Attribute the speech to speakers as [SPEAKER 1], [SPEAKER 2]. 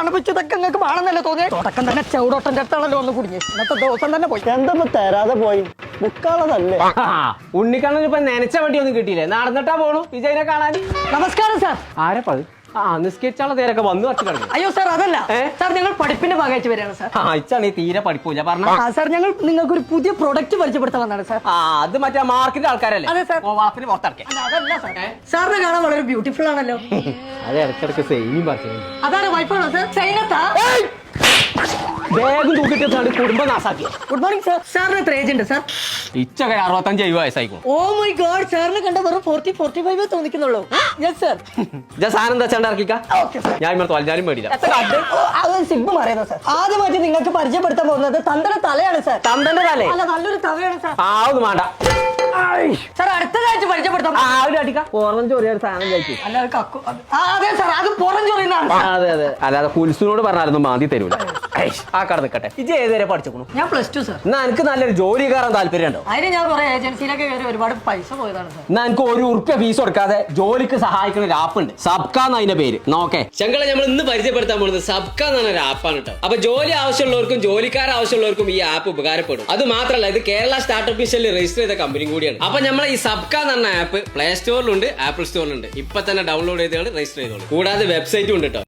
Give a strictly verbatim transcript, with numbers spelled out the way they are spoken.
[SPEAKER 1] കാണുമ്പോ ഇതൊക്കെ നിങ്ങൾക്ക് വേണമെന്നല്ലേ തോന്നിയത്? തുടക്കം തന്നെ ചൗടോട്ടന്റെ അടുത്താണല്ലോ ഒന്ന് കുടുങ്ങി. ഇന്നത്തെ ദിവസം തന്നെ പോയി.
[SPEAKER 2] എന്താ തരാതെ പോയി ബുക്കാളതല്ലേ?
[SPEAKER 3] ഉണ്ണിക്കണ്ണൻ ഇപ്പൊ നനച്ച വണ്ടി ഒന്നും കിട്ടിയില്ലേ? നടന്നിട്ടാ പോണു വിജയനെ കാണാൻ.
[SPEAKER 1] നമസ്കാരം സാർ.
[SPEAKER 3] ആരപ്പത്? ആ നിസ്കരിച്ചാളെ നേരൊക്കെ വന്നു വച്ചു കിടന്നു.
[SPEAKER 1] അയ്യോ സാർ അതല്ല സാർ, ഞങ്ങൾ പഠിപ്പിന്റെ ഭാഗമായിട്ട് വരികയാണ് സാർ.
[SPEAKER 3] ആ ഇച്ചാണ് ഈ തീരെ പഠിപ്പൂല പറഞ്ഞ.
[SPEAKER 1] ആ സാർ, ഞങ്ങൾ നിങ്ങൾക്ക് ഒരു പുതിയ പ്രൊഡക്റ്റ് പരിചയപ്പെടുത്താൻ വന്നതാണ് സാർ.
[SPEAKER 3] ആ അത് മറ്റേ മാർക്കിന്റെ ആൾക്കാരല്ലേ?
[SPEAKER 1] അതെ സാർ.
[SPEAKER 3] വളത്തിന് പുറത്തിറക്കേ.
[SPEAKER 1] അതല്ല സാർ, സാറിനെ കാണാൻ വളരെ ബ്യൂട്ടിഫുൾ ആണല്ലോ.
[SPEAKER 3] അത് ഇടയ്ക്കിടയ്ക്ക് സെയിം പറഞ്ഞു.
[SPEAKER 1] അതാണ് വൈഫാണോ സാർ? സൈനത്താ?
[SPEAKER 3] വേഗം തൂക്കിട്ട് കുടുംബം നാസാക്കി.
[SPEAKER 1] Good morning sir. സാറിന് എത്ര ഏജ് ഉണ്ട് സാർ?
[SPEAKER 3] ഇച്ചൊക്കെ അറുപത്തഞ്ച് എഴുപത് വയസ്സായിക്കും.
[SPEAKER 1] ഓ മൈ ഗോഡ്, സാറിന് കണ്ട വെറും ഫോർട്ടി ഫോർട്ടി ഫൈവ് തോന്നിക്കുന്നുള്ളൂ. Yes sir.
[SPEAKER 3] സാധനം എന്താ വെച്ചാൽ ഇറക്കിക്ക.
[SPEAKER 1] Okay sir.
[SPEAKER 3] ഞാൻ ഇവിടെ തോൽഞ്ഞാലും മേടില്ല.
[SPEAKER 1] സിബ് പറയുന്നത് സാർ. ആദ്യമായിട്ട് നിങ്ങൾക്ക് പരിചയപ്പെടുത്താൻ പോകുന്നത് തന്തയുടെ തലയാണ് സാർ.
[SPEAKER 3] തന്തന്റെ തലേ?
[SPEAKER 1] അല്ല, നല്ലൊരു തവയാണ് സാർ.
[SPEAKER 3] ആ ഒന്നും വേണ്ട
[SPEAKER 1] സാർ. അടുത്തതായിട്ട് പരിചയപ്പെടുത്താം.
[SPEAKER 3] ആ ഒരു അടിക്ക പുറം ചൊറിയ ഒരു സാധനം കഴിക്കും.
[SPEAKER 1] അല്ല അത് കക്കു. ആ, അതെ സാർ, അത് പുറം ചൊറിയുന്നതാണ്.
[SPEAKER 3] അതെ അതെ, അല്ലാതെ കുൽസുനോട് പറഞ്ഞാലൊന്നും മാന്തി തരൂല. ആ കട നിൽക്കട്ടെ. ഇജ്ജ് ഏതുവരെ പഠിച്ചു?
[SPEAKER 1] ഞാൻ പ്ലസ് ടു സാർ.
[SPEAKER 3] എന്നാ എനിക്ക് നല്ലൊരു ജോലി കയറാൻ താല്പര്യം ഉണ്ടോ?
[SPEAKER 1] അതിന് ഞാൻ കുറെ ഏജൻസിയിലൊക്കെ കയറി ഒരുപാട് പൈസ പോയതാണ് സാർ.
[SPEAKER 3] എന്നാ എനിക്ക് ഒരു ഉറുപ്പ്യ ഫീസ് കൊടുക്കാതെ ജോലിക്ക് സഹായിക്കുന്ന ഒരു ആപ്പ് ഉണ്ട്, സബ്ക എന്ന് അതിന്റെ പേര്. നോക്കേ
[SPEAKER 4] ചങ്കളെ നമ്മൾ ഇന്ന് പരിചയപ്പെടുത്താൻ പോകുന്നത് സബ്ക എന്ന് പറഞ്ഞ ഒരു ആപ്പാണ് കേട്ടോ. അപ്പൊ ജോലി ആവശ്യമുള്ളവർക്കും ജോലിക്കാർ ആവശ്യമുള്ളവർക്കും ഈ ആപ്പ് ഉപകാരപ്പെടും. അത് മാത്രമല്ല, ഇത് കേരള സ്റ്റാർട്ടപ്പ് മിഷനിൽ രജിസ്റ്റർ ചെയ്ത കമ്പനിയും കൂടിയാണ്. അപ്പൊ നമ്മൾ ഈ സബ്ക എന്ന് പറഞ്ഞ ആപ്പ് പ്ലേ സ്റ്റോറിലുണ്ട്, ആപ്പിൾ സ്റ്റോറിലുണ്ട്. ഇപ്പൊ തന്നെ ഡൗൺലോഡ് ചെയ്തോളൂ, രജിസ്റ്റർ ചെയ്തോളൂ. കൂടാതെ വെബ്സൈറ്റും ഉണ്ട് കേട്ടോ.